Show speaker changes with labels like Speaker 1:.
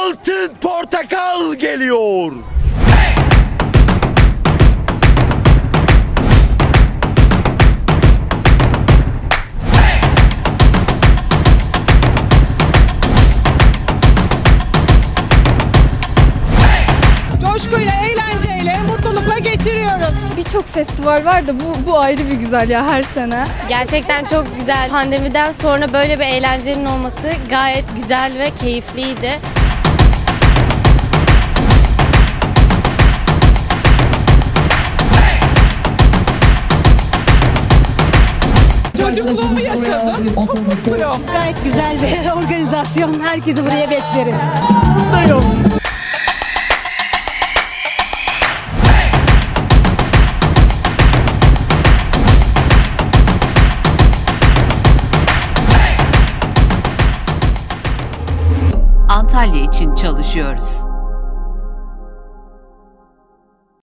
Speaker 1: Altın Portakal geliyor.
Speaker 2: Coşkuyla, eğlenceyle, mutlulukla geçiriyoruz.
Speaker 3: Birçok festival var da bu ayrı bir güzel ya her sene.
Speaker 4: Gerçekten çok güzel. Pandemiden sonra böyle bir eğlencenin olması gayet güzel ve keyifliydi.
Speaker 2: Çocukluğumu yaşadım. Çok mutluyum.
Speaker 5: Gayet güzel bir organizasyon. Herkesi buraya bekleriz.
Speaker 6: Antalya için çalışıyoruz.